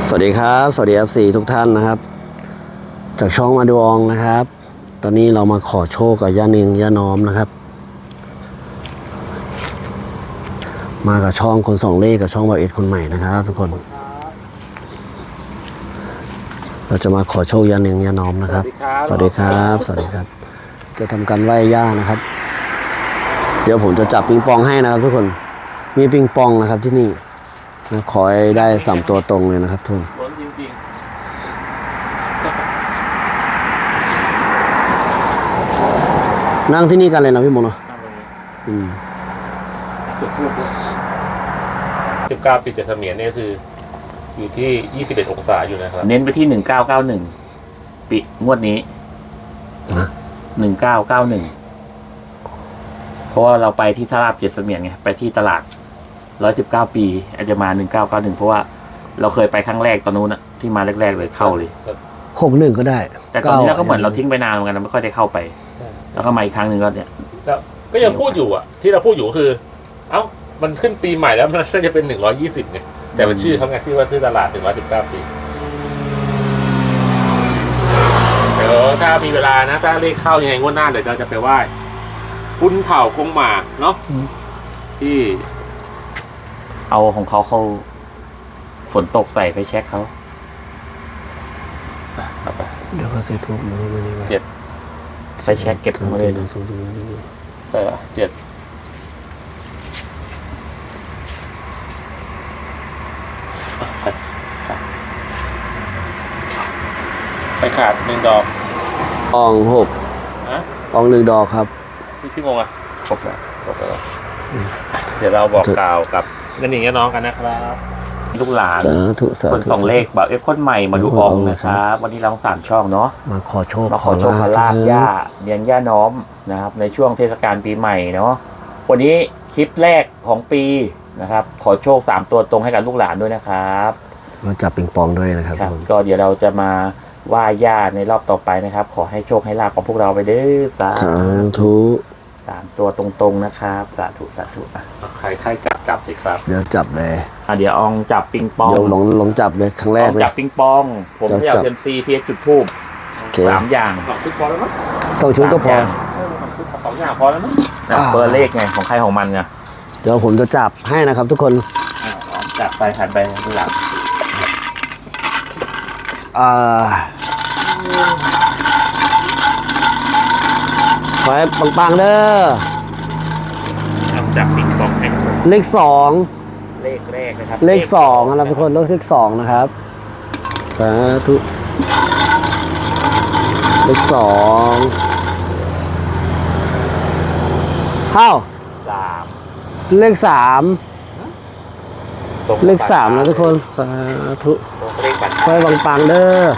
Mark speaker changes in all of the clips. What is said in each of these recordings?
Speaker 1: สวัสดีครับสวัสดี FC ทุกท่านนะครับจากช่องมาดูอองนะครับตอนนี้เรามาขอโชคกับย่านิงย่าน้อมนะครับมากับช่องคนสองเลขกับช่องบ่าวเอ็ดคนใหม่นะครับทุกคนเราจะมาขอโชคย่านิงย่าน้อมนะครับสวัสดีครับสวัสดีครับจะทำการไหว้ย่านะครับเดี๋ยวผมจะจับปิงปองให้นะครับทุกคนมีปิงปองนะครับที่นี่ขอให้ได้3ตัวตรงเลยนะครับทุกคนนั่งที่นี่กันเลยนะพี่มงเนาะ
Speaker 2: 19 ปีเจ็ดเสมียนเนี่ยคืออยู่ที่21 องศาอยู่นะครับ
Speaker 3: เน้นไปที่1991ปีงวดนี้
Speaker 1: นะ
Speaker 3: 1991เพราะว่าเราไปที่สลาบเจ็ดเสมียนไงไปที่ตลาด119 ปีอาจจะมา1991เพราะว่าเราเคยไปครั้งแรกตอนนู้นนะที่มาแรกๆเลยเข้าเลย
Speaker 1: 61ก็ได้
Speaker 3: แต่ตอนนี้เราก็เหมือนเราทิ้งไปนานเหมือนกันเราไม่ค่อยได้เข้าไปแล้วก็มาอีกครั้งหนึ่งก็เนี่ย
Speaker 2: ก็ยังพูดอยู่อ่ะที่เราพูดอยู่คือเอ้ามันขึ้นปีใหม่แล้วมันน่าจะเป็น120ไงแต่เป็นชื่อเขาไงที่ว่าชื่อตลาด119 ปีเดี๋ยวถ้ามีเวลานะถ้าเลขเข้ายังไงงวดหน้าเดี๋ยวเราจะไปไหว้คุณเผ่ากงหมาเนาะที่
Speaker 3: เอาของเขาฝนตกใส่ไฟแช็กเขา
Speaker 1: เดี๋ยวเขาใส่พวกมันไม่ได้
Speaker 2: 7
Speaker 3: ไฟแช็กเก็บมาเลย
Speaker 2: ใช่ป่ะ7ไปขาด1 ดอก
Speaker 1: ออง6ออง1 ดอกครับ
Speaker 2: พี่มงอ่ะครบแล้วเดี๋ยวเราบอกกล่าวกับนั่นนี่น้องกันนะครับ
Speaker 3: ลูกหลานคนสองเลขแบบคนใหม่มาดูอองนะครับวันนี้เรา3 ช่องเนาะ
Speaker 1: มาขอโชค
Speaker 3: ขอลาบย่าเลี้ยงย่าน้อมนะครับในช่วงเทศกาลปีใหม่เนาะวันนี้คลิปแรกของปีนะครับขอโชค3 ตัวตรงให้กับลูกหลานด้วยนะครับ
Speaker 1: มาจับปิงปองด้วยนะครับ
Speaker 3: ก็เดี๋ยวเราจะมาไหว้ย่าในรอบต่อไปนะครับขอให้โชคให้ลาบของพวกเราไปเด้อสา
Speaker 1: ธุ
Speaker 3: 3 ตัวตรงๆนะครับสาธุสาธุ
Speaker 2: ใครจับสิครับ
Speaker 1: เดี๋ยวจับเลย
Speaker 3: เดี๋ยวอองจับปิงปอง
Speaker 1: เดี๋ยวลองจับเลยครั้งแรกเลย
Speaker 3: จับปิงปองผมจะเอาเทมซีเพียจุดทูบ3 อย่าง
Speaker 2: 2 ชุดพอแล้วมั้ง
Speaker 1: 2 ชุดก็พอ
Speaker 2: 2 อย่างพอแล้วมั้ง
Speaker 3: เบอร์เลขไงของใครของมันไง
Speaker 1: เดี๋ยวผมจะจับให้นะครับทุกคน
Speaker 3: จับไปหันไปข้างหลัง
Speaker 1: ขอให้ปังๆเด้อ
Speaker 3: จับปิงปองให้
Speaker 1: เลข2
Speaker 3: เลขแรกนะครับ
Speaker 1: เลข2นะครับทุกคนเลข2นะครับสาธุเลข2เข้า
Speaker 3: 3
Speaker 1: เลข3เลข3นะทุกคนสาธุขอให้ปังๆเด้อ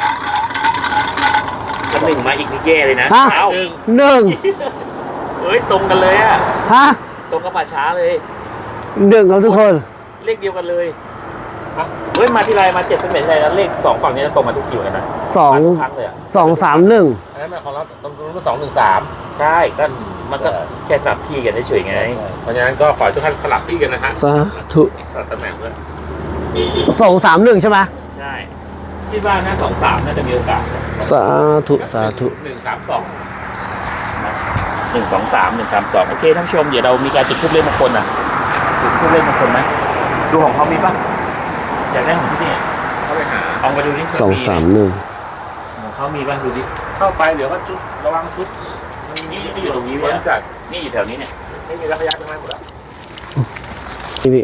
Speaker 3: ถ้า1มาอีกนี่แย่เลยนะ
Speaker 1: 1
Speaker 3: เฮ้ยตรงกันเลยอะตรงกับป่าช้าเลย
Speaker 1: 1ครับทุกคน
Speaker 3: เลขเดียวกันเลยเฮ้ยมาที่ไรมา7 เสมียนใช่แล้วเลข2ฝั่งนี้จะตรงมาทุกคิวกันนะ
Speaker 1: 2 3 1
Speaker 2: อันนั้นหมายความว่าตรงนู้น2 1 3
Speaker 3: ใช่ก็มันก็แค่สลับที่กันเฉยๆไง
Speaker 2: เพราะฉะนั้นก็ขอทุกท่านสลับที่กันนะฮะ
Speaker 1: สาธุ
Speaker 2: ตำแหน่งด้วย
Speaker 1: 2 3 1ใช่ไหม
Speaker 3: ใช่คิดว่านะ2 3น่าจะมีโอกาส
Speaker 1: สาธุสาธุ
Speaker 2: 1 3 2
Speaker 3: 1 2 3 1 3 2โอเคท่านผู้ชมเดี๋ยวเรามีการจุดธูปเลขมงคลนะจุดธูปเลขมงคลไหมดูของเขามีปะอยากได้ของที่นี่
Speaker 2: เข้าไปหา
Speaker 3: เอาไปดูนี่
Speaker 1: 2 3 1
Speaker 3: ของเขามีบ้างดูดิ
Speaker 2: เข้าไปเดี๋ยวก็ชุดระวังชุด
Speaker 3: นี่อยู่ตรงนี้เลย
Speaker 2: จัด
Speaker 3: นี่อยู่แถวนี้เนี่ย
Speaker 2: ไม่มีระยะตรงนั้นหมดแล้ว
Speaker 1: พี่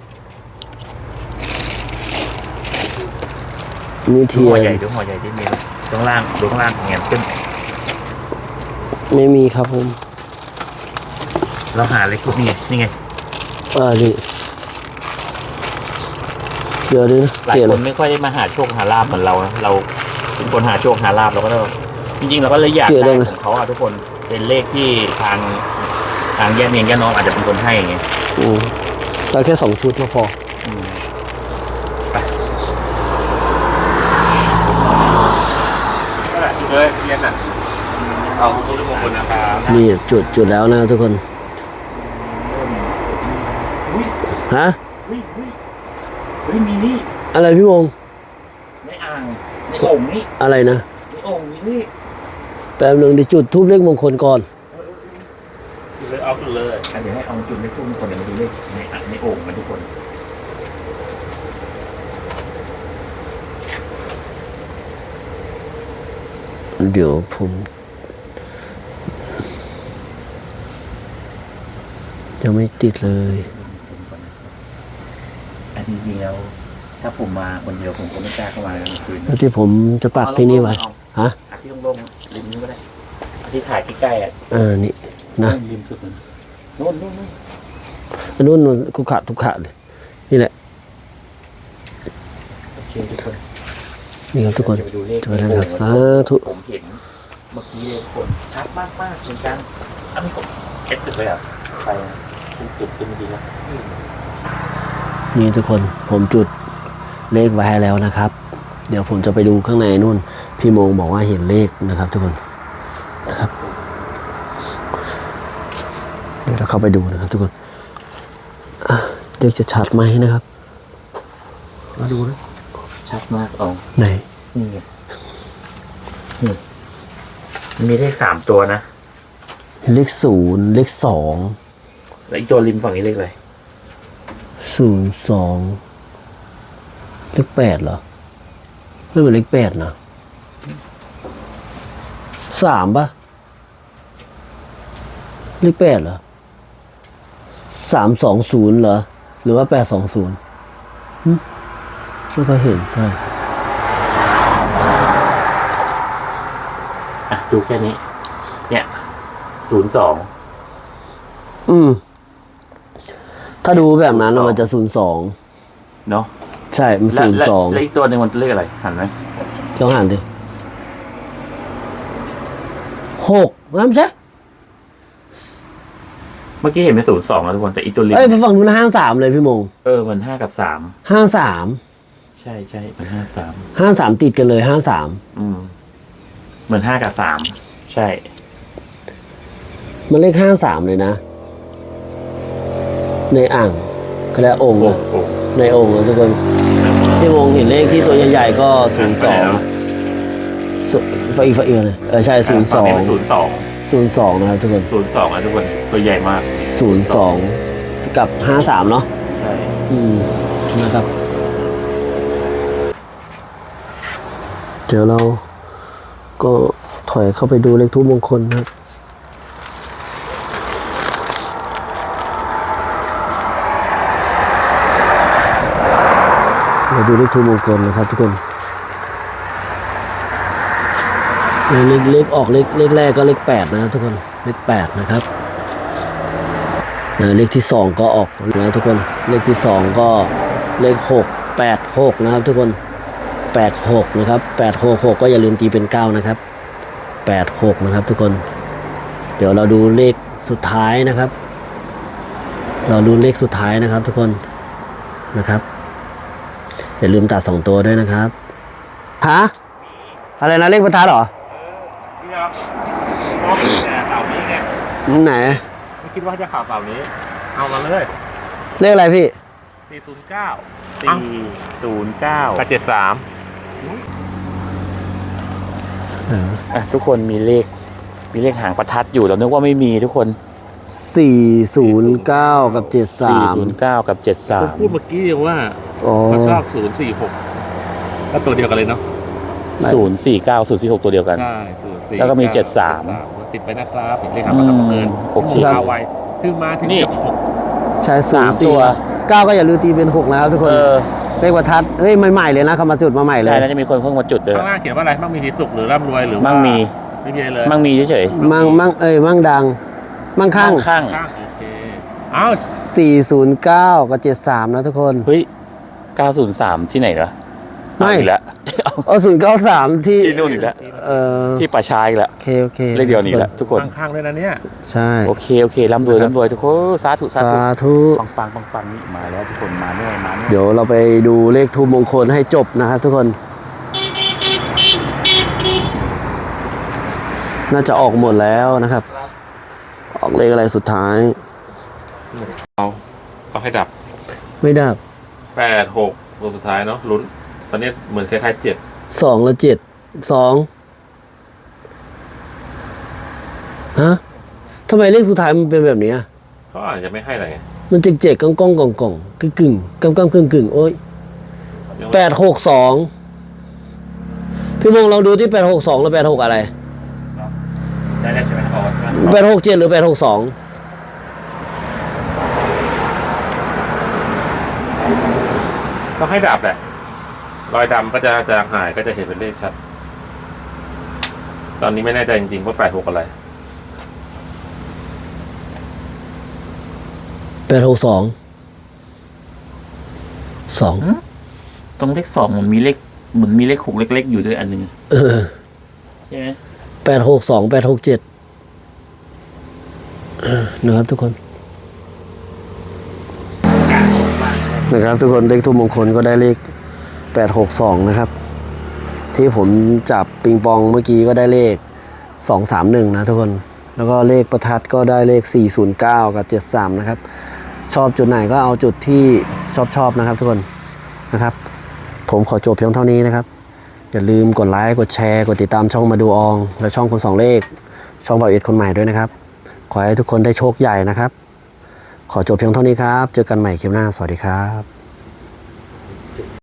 Speaker 1: มีเทียน
Speaker 3: หัวใหญ่ดูหัวใหญ่ที่มีข้างล่างดูข้างล่างเงี้ยขึ้น
Speaker 1: ไม่มีครับผม
Speaker 3: เราหาอะไรคุดนี่ไง
Speaker 1: นี่เดี๋ยวดิ
Speaker 3: หลายคนไม่ค่อยได้มาหาโชคหาลาภเหมือนเรานะเราเป็นคนหาโชคหาลาภเราก็ต้องจริงๆเราก็เลยอยากได้ของเขาทุกคนเป็นเลขที่ทางแย่เนียงแย่น้องอาจจะเป็นคนให้ไง
Speaker 1: เราแค่2 ชุดก็พอ
Speaker 2: ไปเลยเรียนอ่ะเอาทุกมงคลนะครับ
Speaker 1: นี่จุดแล้วนะทุกคนฮะ
Speaker 3: มีนี่
Speaker 1: อะไรพี่วง
Speaker 3: ในโอ่งนี่
Speaker 1: อะไรนะ
Speaker 3: ในโอ่งนี่
Speaker 1: แป๊บนึงดิจุดทูบเลขมงคลก่อน
Speaker 2: เลยเอาจุดเลย
Speaker 3: เดี๋ยวให้เอาจุดเลขทูบคนเดี๋ยวมาดูเลขในโอ่งกันทุกคน
Speaker 1: เดี๋ยวผม ยังไม่ติดเลย
Speaker 3: อันจริงๆแล้วถ้าผมมาคนเดียวผมก็ไม่กล้าเข้ามากลางคืน
Speaker 1: แล้วที่ผมจะปักที่นี่ไว้ ฮะ
Speaker 3: อาที่โล่งๆริมนี้ก็ได้อาที่ถ่ายใกล้ๆอ่ะ
Speaker 1: นี่นะ
Speaker 3: ริมสุดมันนู่น
Speaker 1: อันนู้นคุกขะทุกขะเลย นี่แหละ
Speaker 3: โอเคทุกคน
Speaker 1: นี่ครับทุกคน
Speaker 3: จะไปดูเลข
Speaker 1: จะไปได้ครับสาธุ
Speaker 3: ผมเห็นเมื่อกี้เลยทุกคนชัดมากๆเหมือนกันอันนี้ผมเก็บจุดเลยอ่ะไปจุดจะไม่ดีแล้ว
Speaker 1: นี่ทุกคนผมจุดเลขไว้ให้แล้วนะครับ เดี๋ยวผมจะไปดูข้างในนู่น พี่โมงบอกว่าเห็นเลขนะครับ ทุกคนนะครับ เดี๋ยวเราเข้าไปดูนะครับ ทุกคนเลขจะชัดไหมนะครับ
Speaker 3: มาดูนะชัดมากเอา
Speaker 1: ไหน
Speaker 3: นี่ไงนี่มีเลข3 ตัวนะ
Speaker 1: เลขศูนย์เลขสอง
Speaker 3: แล้วอีกตัวริมฝั่งนี้เลขอะไร
Speaker 1: 02เลข8เหรอไม่เหมือนเลข8นะ3ป่ะเลข8เหรอ320เหรอหรือว่า820ไม่ค่อยเห็นใช่
Speaker 3: อ่ะดูแค่นี้ เนี่ย02
Speaker 1: ถ้าดูแบบนั้น
Speaker 3: 02
Speaker 1: มันจะ02
Speaker 3: เนาะ
Speaker 1: ใช่มัน
Speaker 3: แล้วอีกตัวหนึ่งมันเลขอะไรหันไหม
Speaker 1: 02ลองหันดิ6ไม่ใช่
Speaker 3: เมื่อกี้เห็นเป็น02แล้วทุกคนแต่อีกตัวริม
Speaker 1: เอ้ยไปฝั่งนู้น53เลยพี่มง
Speaker 3: มัน5 กับ
Speaker 1: 53
Speaker 3: 3ใช่มัน53
Speaker 1: 53ติดกันเลย53
Speaker 3: เหมือน5 กับ 3ใช่
Speaker 1: มันเลข53เลยนะ ในอ่างก็แล้วองค์
Speaker 3: โอ้
Speaker 1: อะ
Speaker 3: โห
Speaker 1: ในองค์นะทุกคนที่วงเห็นเลขที่ตัวใหญ่ๆก็02ไฟเอียเลยใช่02
Speaker 3: 02
Speaker 1: 02นะครับทุกคน
Speaker 3: 02นะทุกคนตัวใหญ่มาก
Speaker 1: 02กับ53เนาะ
Speaker 3: ใช่
Speaker 1: นะครับ เดี๋ยวเราก็ถอยเข้าไปดูเลขทูปมงคลนะครับเราดูเลขทูปมงคลนะครับทุกคนเลขออกเลขแรกก็เลข8นะครับทุกคนเลข8นะครับเลขที่2ก็ออกแล้วทุกคนเลขที่2ก็เลข6 86นะครับทุกคน86นะครับ866ก็อย่าลืมตีเป็น9นะครับ86นะครับทุกคนเดี๋ยวเราดูเลขสุดท้ายนะครับเราดูเลขสุดท้ายนะครับทุกคนนะครับอย่าลืมตัด2ตัวด้วยนะครับฮะอะไรนะเลขประทัดเหรอ
Speaker 2: นี่ครับมองแต่เสานี้ไง
Speaker 1: ไหน
Speaker 2: ไม่คิดว่าจะข่าวเสานี้ เอามาเลย
Speaker 1: เลขอะไรพี่
Speaker 2: 409
Speaker 3: 409
Speaker 2: กับ73
Speaker 3: ทุกคนมีเลขหางประทัดอยู่เรานึกว่าไม่มีทุกคน
Speaker 1: 409กับ73
Speaker 3: 409 กับ
Speaker 2: ผมพูดเมื่อกี้ว่า
Speaker 1: อ๋อ
Speaker 2: มันชอบ046ก็ตัวเดียวกันเลยเนาะ
Speaker 3: 73 049 046ตัวเดียวกัน
Speaker 2: ใช่049
Speaker 3: แล้วก็มี
Speaker 2: ติดไปนะครับเลขหางประทัดบังเอิญ
Speaker 3: โอเค
Speaker 2: เอาไว้คือมาถึง
Speaker 3: นี่
Speaker 1: ใช่
Speaker 3: สามตัว
Speaker 1: 04 9ก็อย่าลืมตีเป็น6นะครับทุกคนเลขประทัดเฮ้ยใหม่ๆเลยนะเขามาจุดมาใหม่เลย
Speaker 3: ใช่แล้วจะมีคนเพิ่งมาจุดเลย
Speaker 2: ข้างล่างเขียนว่าอะไรมั่งมีสีสุขหรือร่ำรวยหรือว่า
Speaker 3: มั่งมี
Speaker 2: ไม่มีอะไรเลย
Speaker 3: มั่งมีเฉย
Speaker 1: มั่งดัง มั่ง
Speaker 3: ๆ
Speaker 1: ข้าง
Speaker 3: ข้าง
Speaker 2: ข้างโอเคเอ้า
Speaker 1: 409กับ73นะทุกคน
Speaker 3: เฮ้ย 903 ที่ไหนเหรอ
Speaker 1: ไม่
Speaker 3: เอาอีกแล้ว
Speaker 1: 093ที่
Speaker 3: ที่นู่นอีกแล้ว ที่ป่าชาอีกแล้ว
Speaker 1: โอเค
Speaker 3: เลขเดียวนี่แหละทุกคน
Speaker 2: ข้างๆด้วยนะเนี่ย
Speaker 1: ใช่
Speaker 3: โอเคร่ำรวยทุกคนสาธุ
Speaker 1: สาธุ
Speaker 3: ปังนี่มาแล้วทุกคนมาแน่
Speaker 1: เดี๋ยวเราไปดูเลขทูปมงคลให้จบนะครับทุกคน น่าจะออกหมดแล้วนะครับ ออกเลขอะไรสุดท้าย
Speaker 2: เอาให้ดับ
Speaker 1: ไม่ดับ
Speaker 2: 8 6ตัวสุดท้ายเนาะลุ้นตอนนี้เหมือนคล้ายๆ7
Speaker 1: 2 และ 7 2ฮะทำไมเลขสุดท้ายมันเป็นแบบนี้อะ
Speaker 2: เขาอาจจะไม่ให้อะไรไง
Speaker 1: มันเจ๊กๆก้องก้องกองกองกึ่งกึ่งกำกำกึ่งกึ่งโอ้ย 862พี่มงเราดูที่862แล้ว86อะไร
Speaker 3: ได้แล้วใช่ไหมออกใช่ไหม
Speaker 1: 867หรือ862
Speaker 2: ต้องให้ดับแหละรอยดำก็จะจางหายก็จะเห็นเป็นเลขชัด ตอนนี้ไม่แน่ใจจริงๆว่า86อะไร
Speaker 1: 862 2
Speaker 3: ตรงเลข 2มันมีเลขเหมือนมีเลข6เล็กๆอยู่ด้วยอันหนึง ใช่ไหม
Speaker 1: 862 867นะครับทุกคนนะครับทุกคนเลขทูปมงคลก็ได้เลข862นะครับที่ผมจับปิงปองเมื่อกี้ก็ได้เลข231นะทุกคนแล้วก็เลขประทัดก็ได้เลข409กับ73นะครับชอบจุดไหนก็เอาจุดที่ชอบนะครับทุกคนนะครับผมขอจบเพียงเท่านี้นะครับอย่าลืมกดไลค์กดแชร์กดติดตามช่องมาดูอองและช่องคนสองเลขช่องบ่าวเอ็ดคนใหม่ด้วยนะครับขอให้ทุกคนได้โชคใหญ่นะครับขอจบเพียงเท่านี้ครับเจอกันใหม่คลิปหน้าสวัสดีครับ